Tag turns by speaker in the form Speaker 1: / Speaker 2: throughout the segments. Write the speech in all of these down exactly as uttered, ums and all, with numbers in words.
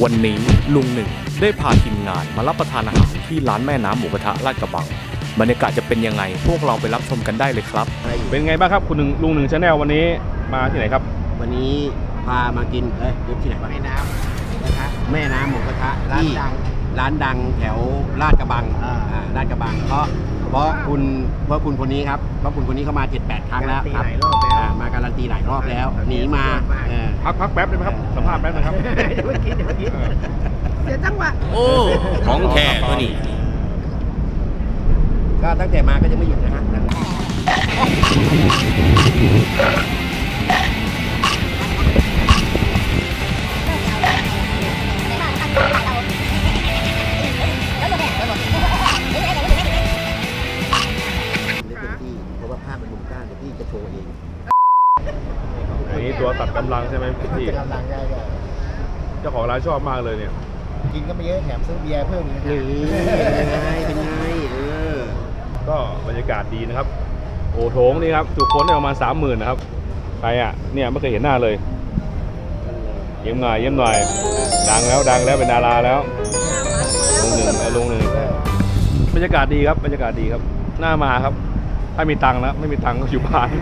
Speaker 1: วันนี้ลุงหนึ่งได้พาทีมงานมารับประทานอาหารที่ร้านแม่น้ำหมูกระทะลาดกระบังบรรยากาศจะเป็นยังไงพวกเราไปรับชมกันได้เลยครับเป็นไงบ้างครับคุณหนึ่งลุงหนึ่งชาแนลวันนี้มาที่ไหนครับ
Speaker 2: วันนี้พามากินเอ้ยที่ไหนวะแม่น้ำนะคะแม่น้ำหมูกระทะร้านดังร้านดังแถวลาดกระบังอ่าลาดกระบังเพราะเพราะคุณเพราะคุณคนนี้ครับเพราะคุณคนนี้เข้ามา เจ็ดแปด ครั้งแล้วครับมาการันตีหลายรอบแล้วหนีมา
Speaker 1: พักพักแป๊บได้ไหมครับสัมภาษณ์แป๊บนะครับ
Speaker 2: เดี๋ยวคิดเดี๋ยวคิดเสียจังหวะ
Speaker 1: โอ้ของแท้ตัวนี้
Speaker 2: ก็ตั้งแต่มาก็จะไม่หยุดนะฮะ
Speaker 1: อันนี้ตัวตัดกำลังใช่ไหมพี่
Speaker 3: กำลังได้ก็
Speaker 1: เจ้าของร้านชอบมากเลยเนี่ย
Speaker 3: กินก็ไม่เยอะแถมซื้อเบียร์เพิ่มอีกนะ
Speaker 2: เป็นไงเป็นไงเออ
Speaker 1: ก็บรรยากาศดีนะครับโอ้โถงนี่ครับจุคนได้ประมาณสามหมื่นนะครับใครอ่ะเนี่ยไม่เคยเห็นหน้าเลยเยี่ยมหน่อยเยี่ยมหน่อยดังแล้วดังแล้วเป็นดาราแล้วลงหนึ่งลงหนึ่งบรรยากาศดีครับบรรยากาศดีครับน่ามาครับถ้ามีตังค์นะไม่มีตังค์ก็อยู่บ้าน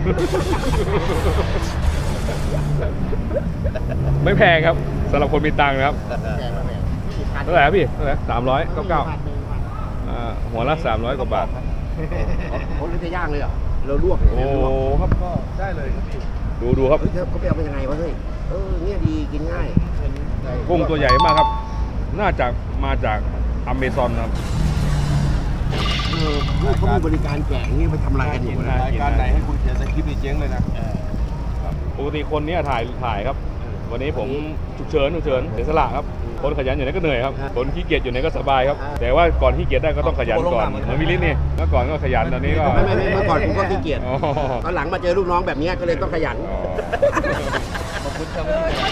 Speaker 1: ไม่แพงครับสำหรับคนมีตังค์นะครับเท่าไหร่พี่เท่าไหร่สามร้อยเก้าเก้าหัวละสามร้อยกว่าบาท
Speaker 2: เขาเลือกจะย่างเลยเหรอเราลวก
Speaker 1: โอ้ครับ
Speaker 3: ก็ได้เลยครับพี่
Speaker 1: ดูดูครับ
Speaker 2: เขาไปเอาเป็นยังไงวะเฮ้ยเออเนี่ยดีกินง่าย
Speaker 1: กุ้งตัวใหญ่มากครับน่าจะมาจากอเมซอนครับ
Speaker 2: เออเขามีบริการแจกนี่ไปทำอะไรกันอยู่
Speaker 3: รายการไหนให้คุณเขียนสคริปต์เจ๊งเลยนะ
Speaker 1: ปกติคนนี้ถ่ายถ่ายครับวันนี้ผมฉุกเฉินฉุกเฉินเสียสละครับคนขยันอยู่ไหนก็เหนื่อยครับคนขี้เกียจอยู่ไหนก็สบายครับแต่ว่าก่อนขี้เกียจได้ก็ต้องขยันก่อนเหมือนมิลิสนี่เมื่อก่อนก็ขยันตอนนี้ก็
Speaker 2: ไม่ไม่เมื่อก่อนผมก็ขี้เกียจตอนหลังมาเจอลูกน้องแบบนี้ก็เลยต้องขยัน
Speaker 3: ขอบคุณครับ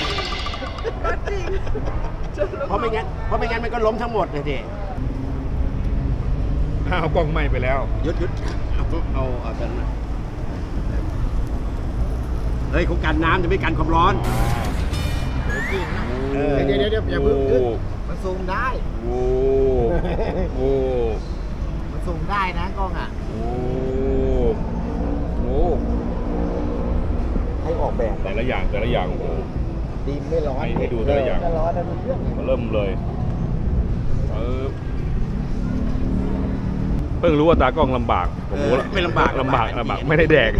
Speaker 2: เพราะไม่งั้นเพราะไม่งั้นมันก็ล้มทั้งหมดเลยที
Speaker 1: ห้าวกล้องไหม้ไปแล้ว
Speaker 2: ยุดยุดเอาเอาเอากันเฮ้ยเขากันน้ำจะไม่กันความร้อน
Speaker 3: จริงนะเดี๋ยวเดี๋ยวเดี๋ยวอย่าเพิ่งขึ้นมันซูมได้
Speaker 1: โอ้โห
Speaker 3: มันซูมได้นะกล้องอ่ะ
Speaker 1: โอ้โห
Speaker 2: ให้ออกแบบ
Speaker 1: แต่ละอย่างแต่ละอย่างโอ้
Speaker 3: ดีไม่ร้อน
Speaker 1: ให้ดูแต่ละอย่าง
Speaker 3: ร้อนนะเพื่อน
Speaker 1: เริ่มเลยเออเพิ่งรู้ว่าตากล้องลำบากผมรู้แล้ว
Speaker 2: ไม่ลำบาก
Speaker 1: ลำบากลำบากไม่ได้แดก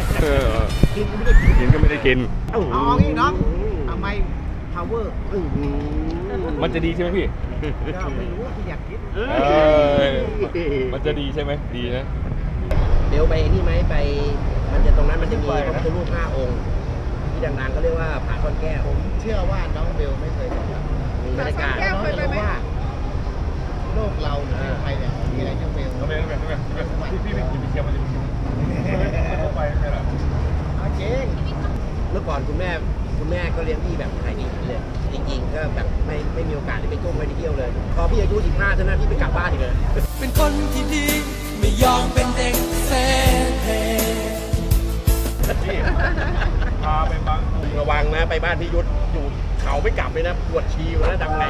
Speaker 1: กินก็ไม่ได้กิน
Speaker 3: อ๋อนี่น้องทำไม power
Speaker 1: มันจะดีใช่ไหมพี่
Speaker 3: ก็ไม่รู้ที่อยากคิด
Speaker 1: มันจะดีใช่ไหมดีนะ
Speaker 2: เดี๋ยวไปนี่ไหมไปมันจะตรงนั้นมันจะมีพระพุทธรูปห้าองค์ที่ดังๆก็เรียกว่าผาซ่อนแก้ว
Speaker 3: ผมเชื่อว่าน้องเบลไม่เคยบอก
Speaker 2: มีบรรยากาศ
Speaker 3: น้องจะรู้ว่าโลกเราหรือไทยเนี่ยมีอะไรน้องเบล
Speaker 1: น้องเบลน้องเบลน้องเบลพี่พี่พี่พี่เชียร์มันจะเข้าไปไม่หรอ
Speaker 3: จริง
Speaker 2: เมื่อก่อนคุณแม่คุณแม่ก็เลี้ยงพี่แบบไทยดีเลยจริงๆก็แบบไม่ไม่มีโอกาสได้ไปท่องไปเที่ยวเลยพอพี่อายุสิบห้าเท่านั้นพี่ไปกลับบ้านอีกเลย
Speaker 4: เป็นคนที่ดีไม่ยอมเป็นเด็กเซ่
Speaker 1: พาไปบาง
Speaker 2: ระวังนะไปบ้านพี่ยุทธอยู่เขาไม่กลับเลยนะปวดชีอยู่นะดำไง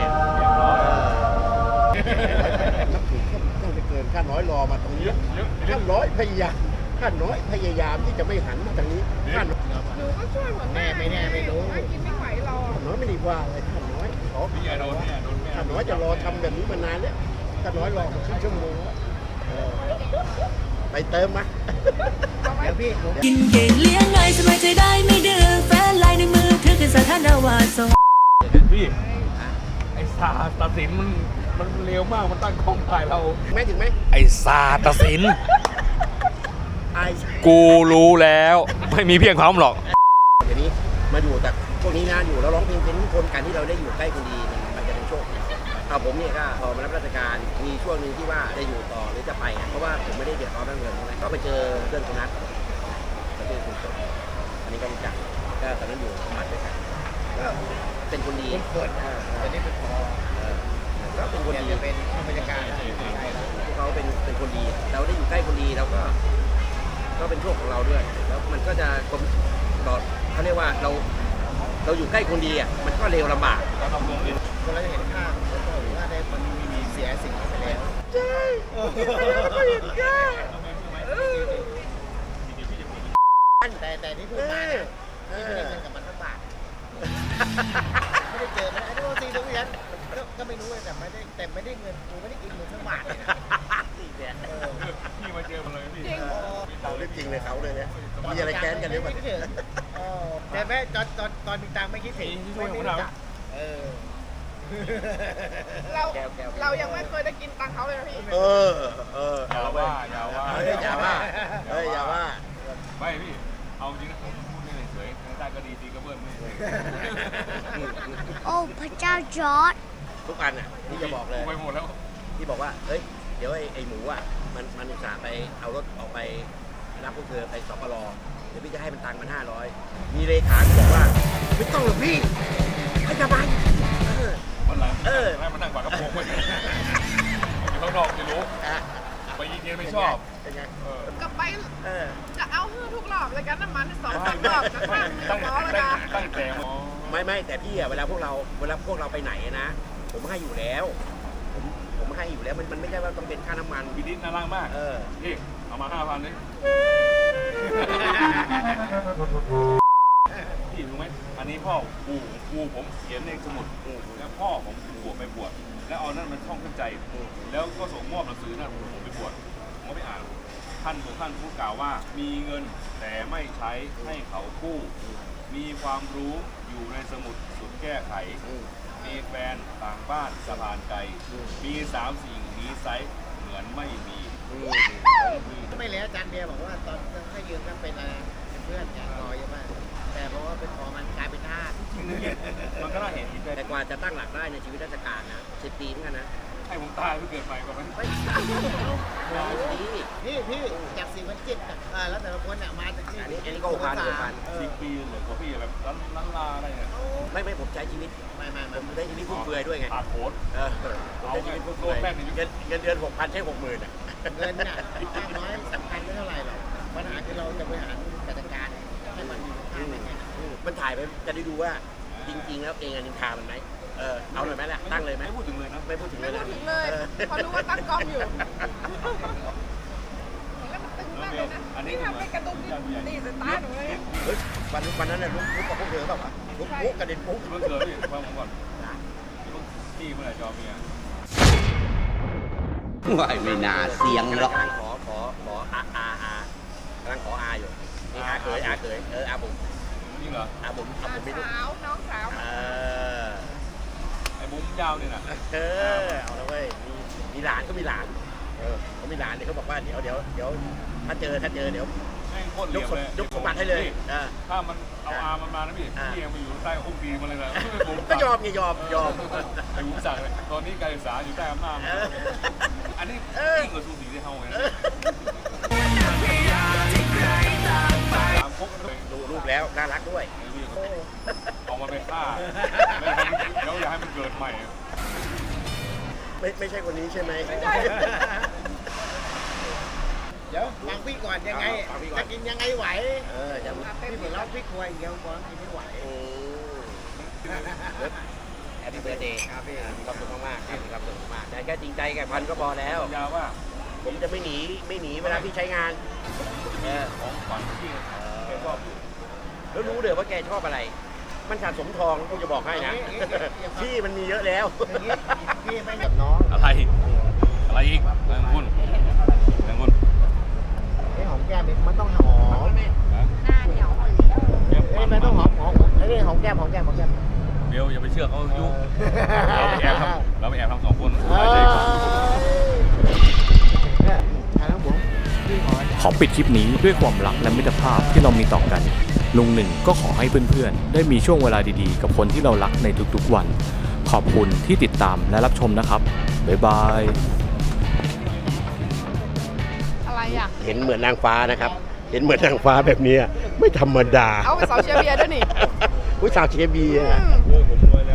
Speaker 2: นับถือต้องจะเกินข้าน้อยรอมาตรงนี้ข้าน้อยพยายามข้าน้อยพยายามที่จะไม่หันมาทางนี้ข้าน้อย
Speaker 5: หนูก็ช่วยหมด
Speaker 3: แม่ไม่แน่ไม่รู้
Speaker 5: กินไม่ไหวรอ
Speaker 2: ข้าน้อยไม่ดีกว่าเลยข้าน้อยขอ
Speaker 1: พี่โดนแม่โดนแม่
Speaker 2: ข้าน้อยจะรอทำแบบนี้มานานแล้วข้าน้อยรอมาครึ่งชั่วโมงไปเติมมา
Speaker 3: เดี๋ยวพี่
Speaker 4: กินเก่งเลี้ยงง่ายสบายใจได้ไม่ดื้อแฟนลายในมือถือเป็นสถานาวาส
Speaker 1: พี่ไอ้ซาตัดสินมันมันเร็วมากมันตั้งกล้องถ่ายเรา
Speaker 2: ไม่ถึงไหม
Speaker 1: ไอ้ซาตัดสินกูรู้แล้วไม่มีเพียงพร้อมหรอก
Speaker 2: เดี๋ยวนี้มาอยู่แต่พวกนี้นะอยู่แล้วร้องเพลงเป็นคนกันที่เราได้อยู่ใกล้คนดีมันจะเป็นโชคเอาผมเนี่ยก็พอมารับราชการมีช่วงหนึ่งที่ว่าได้อยู่ต่อหรือจะไปเพราะว่าผมไม่ได้เดือดร้อนเรื่องเงินก็ไปเจอเพื่อนคนนั้นก็เจอคุณสมอันนี้ก็รู้จักก็ตอนนั้นอยู่หมัดด้วยกันก็เป็นคนดี
Speaker 3: เกิดตอนนี้เป็นพอ
Speaker 2: ก็เป็นคนดี
Speaker 3: เป็นบรรยากาศ
Speaker 2: พวกเขาเป็นเป็นคนดีเราได้อยู่ใกล้คนดีเราก็ก็เป็นโชคของเราด้วยแล้วมันก็จะกลมต่อเขาเรียกว่าเราเราอยู่ใกล้คนดีอ่ะมันก็เร็วลำบาก
Speaker 1: เราทำเมืองเอง
Speaker 3: คนเราจะเห็นค่าของตัวหรือว่าได้มันมีเสียสิ่งนี้ไปแล้ว
Speaker 2: ใช่ก็เห็นแค่
Speaker 3: แต่แต่ที่พูดมานะที่ไม่ได้เงินกับมันสักบาทไม่ได้เจอมันไอ้ที่ว่าซีตรงนี้ก็ก็ไม่รู้เลยแต่ไม่ได้แต่ไม่ได้เงินกูไม่ได้กินเงินสักบาทเลยนะ เออ
Speaker 1: พี่มาเจอมาเลยพี่
Speaker 5: จริง
Speaker 2: เอาเรื่องจริงเลยเขาเลยเนี่ยมีอะไรแค้นกันหรือเปล่า
Speaker 3: ไม่คิดถึงเออแต่แม่ตอนตอนตอนมีตังค์ไม่คิดถึงไม่รู้จักเออ
Speaker 5: เรา
Speaker 2: แก้วแก้ว
Speaker 5: เรายังไม่เคยได้กินตังค์เขาเลยนะพี่
Speaker 2: เออเออ
Speaker 1: อย่าว่าอย่าว่า
Speaker 2: เฮ้ยอย่าว่าเฮ้ยอย่าว่า
Speaker 1: ไม่พี่เอาจริงนะผมพูดไม่เฉยๆได้ก็ดีดีก็เบิ้ลไม่เฉย
Speaker 6: โอ้พระเจ้าจอร์ด
Speaker 2: ทุกอันอ่ะที่จะบอกเลย
Speaker 1: ไปหมดแล้ว
Speaker 2: ที่บอกว่าเฮ้ยเดี๋ยวไอ้ไอ้หมูอ่ะมันมันอุตส่าห์ไปเอารถออกไปรับพวกเธอไปสปลเดี๋ยวพี่จะให้มันตังค์มันห้าร้อยมีเลขาบอกว่าไม่ต้องหรอกพี่ให้ทำไมเออ
Speaker 1: วันหลัง
Speaker 2: เออ
Speaker 1: ให้มันนั่งกว่ากระโปรงไปอยู่ข้างนอกจะรู้
Speaker 2: อ่ะ
Speaker 1: ไปยิงเย็นไม่ชอบ
Speaker 2: เป็นไง
Speaker 1: เออ
Speaker 5: กลับไป
Speaker 2: เออ
Speaker 5: จะเอาฮือทุกรอบเลยกันน้ำมันสองสามรอบจะข้างเนื้อ
Speaker 1: ตั้ง
Speaker 5: ล้อเลย
Speaker 1: ตั้ง
Speaker 5: นะ
Speaker 1: ตั้งแต่หมอ
Speaker 2: ไม่ไม่แต่พี่อะเวลาพวกเราเวลาพวกเราไปไหนนะ ผมให้อยู่แล้ว ผมผมให้อยู่แล้วมันมันไม่ใช่ว่าต้องเป็นค่าน้ำมัน
Speaker 1: พี่ดิษน่ารักมาก
Speaker 2: เออ
Speaker 1: พี่เอามาห้าพันเลยพี่รู้ไหมอันนี้พ่อกูกูผมเขียนในสมุดแล้วพ่อผมบวชไปบวชแล้วเอานั่นมันท่องขึ้นใจ แล้วก็ส่งมอบหนังสือนั่นผมไปบวชผมก็ไม่อ่านท่านของท่านผู้กล่าวว่า มีเงินแต่ไม่ใช้ให้เขากู้ มีความรู้อยู่ในสมุดสุดแก้ไข มีแฟนต่างบ้านสะพานไกล มีสามสิ่งนี้ไซส์เหมือนไม่มี
Speaker 3: ไม่แล้วอาจารย์เบียร์บอกว่าตอนให้ยืมก็เป็นอะไรเป็นเพื่อนแกรอเยอะมากแต่เพราะว่าเป็นพอมันกลายเป็นทาส
Speaker 1: มันก็น่าเห็นอีก
Speaker 2: แต่
Speaker 1: แต่
Speaker 2: กว่าจะตั้งหลักได้ในชีวิตราชการนะสิบปีเหมือนกันนะ
Speaker 1: ให้ผมตายเพื่อเกิดใหม่กว่านั้น
Speaker 2: ไม่ดี
Speaker 3: พี่พี่จากสี่พันเจ็ดอ่ะแล้วแต่ละคนอ่ะมาจากที่
Speaker 2: อันนี้อันนี้ก็หกพันหกพัน
Speaker 3: เออ
Speaker 1: สิบปีเหลือของพี่แบบล้านล้านลาอะไรเนี่ย
Speaker 2: ไม่ไม่ผมใช้ชีวิต
Speaker 3: ไม่ไม่
Speaker 2: ผ
Speaker 3: ไม่
Speaker 2: มได้ชีวิตฟุ่มเฟือยด้วยไง
Speaker 1: อาโคตร
Speaker 2: เออผมได้ชีวิตฟุ่มเฟือยเงินเงินเดือนหกพันใช้หกหมื่นอ่ะ
Speaker 3: เงินน่ะมากน้อยสำคัญไม่เท่าไหร่หรอกปัญหาคือเราจะบริหารจัดการให้มันมีค่ายังไง
Speaker 2: มันถ่ายไปจะได้ดูว่าจริง ๆ แล้วเองอะนินทามันไหมเออเอาหน่อยไหมล่ะตั้งเลยไหม
Speaker 1: ไม่พูดถึงเลยนะ
Speaker 2: ไม่พูดถึงเล
Speaker 5: ไม่
Speaker 2: ย
Speaker 5: พู
Speaker 2: นะ
Speaker 5: ดถึงเลย
Speaker 2: ออ
Speaker 5: พอรู้ว่าตั้งกล้องอยู่แล้วมันตึงมากเลยนะนี่ทำให้กระตุ้นตีสตาร์ทหนูเลย
Speaker 2: เฮ้ยวันวันนั้นน่ะลุกลุกกับพวกเธอเปล่าวะลุกลุกกระเด็นปุ๊บ
Speaker 1: เมื่อเกิดพี่ฟังผมก่อนพี่เมื่อไหร่จะเอาเมีย
Speaker 7: ว่าไม่น่าเสียงหรอก
Speaker 2: กำลังขอขอขออาอาอากำลังขออาอยู่นี่อาเขยอาเขยเอออาบุ๋ม
Speaker 1: จริงเหรอ
Speaker 2: อาบุ๋มอาบุ๋มไม่รู้
Speaker 5: สาวน้องสาว
Speaker 2: เออ
Speaker 1: ไอ้บุ้มยาวเนี่ยนะ
Speaker 2: เออเอาละเว้ยมีมีหลานก็มีหลานเออเขามีหลานเนี่ยเขาบอกว่าเดี๋ยวเดี๋ยวเดี๋ยวถ้าเจอถ้าเจอเดี๋ยว
Speaker 1: แม่งโคตรเห
Speaker 2: ย
Speaker 1: ลี่
Speaker 2: ก
Speaker 1: ยม
Speaker 2: สม
Speaker 1: เลย
Speaker 2: ยกสมบัติให้เลยเออ
Speaker 1: ถ้ามันเอาอามันมานะพี่พี่ยังไปอยู่ใต้อุ้งตีมันเลยนะ
Speaker 2: ก็ยอมไงยอมยอม
Speaker 1: ไอ้บุ้มสั่งเลยตอนนี้การศึกษาอยู่ใต้อำนาจ
Speaker 2: เออ
Speaker 1: อันนี้ยิ่งกว่าสูสีที่เฮาเลย
Speaker 2: เออ
Speaker 1: ตามพกเลย
Speaker 2: ดูรูปแล้วน่ารักด้วย
Speaker 1: เอามาไปฆ่าเดี๋ยวอยากให้มันเกิดใหม่
Speaker 2: ไม่ไม่ใช่คนนี้ใช่ไหม
Speaker 3: เดี๋ยวฟังพี่ก่อนยังไง
Speaker 2: ฟังพี่ก่อน
Speaker 3: จะกินยังไงไหว
Speaker 2: เออจะ
Speaker 3: พี่เหมือนเราพี่ครัวอย่างเดียวก่อนกินไม่ไหว
Speaker 2: แฮปปี้เบิร์ดเดย์ครับพี่มีความสุขมากๆครับมีความสุขมากๆแต่แค่จริงใจแก่พันก็พอแล้ว
Speaker 1: ยาว่า
Speaker 2: ผมจะไม่หนีไม่หนีเวลาพี่ใช้งานเออ
Speaker 1: ของขวัญที่แกชอบอยู่
Speaker 2: แล้วรู้เลยว่าแกชอบอะไร มันสะสมทองผมจะบอกให้นะพี่มันมีเยอะแล้ว
Speaker 3: อย่างนี้พี่ไม่กับน้อง
Speaker 1: อะไร อะไรอีกแรงคุณแรงคุณ
Speaker 3: ไอ้หอมแก้มมันต้องหอม
Speaker 1: นะ
Speaker 6: หน้าเหนียว
Speaker 1: แก้ม
Speaker 3: เอ้
Speaker 1: ปั
Speaker 3: ย
Speaker 1: น
Speaker 3: มันต้องหอมหอมไอ้นี่หอมแก้มหอมแก้มหอมแก้ม
Speaker 1: เบลอย่าไปเชื่อเขายุเราไปแอบทำเราไปแอบทำสองคน
Speaker 3: เอ
Speaker 1: ใช่
Speaker 3: อเนี่ยทางน้ำบุ๋มพี่ขอ
Speaker 8: ขอปิดคลิปนี้ด้วยความรักและมิตรภาพที่เรามีต่อกัน ลุงหนึ่งก็ขอให้เพื่อนๆ ได้มีช่วงเวลาดีๆ กับคนที่เรารักในทุกๆวัน ขอบคุณที่ติดตามและรับชมนะครับ บ๊ายบาย
Speaker 5: อะไรอ่ะ
Speaker 2: เห็นเหมือนนางฟ้านะครับ เห็นเหมือนนางฟ้าแบบนี้ไม่ธรรมดา
Speaker 5: เอาไปสาวเชียร์เบียร์ด้วยนี่
Speaker 2: อุ้ยสาวเชียร์เบียร์
Speaker 5: อืม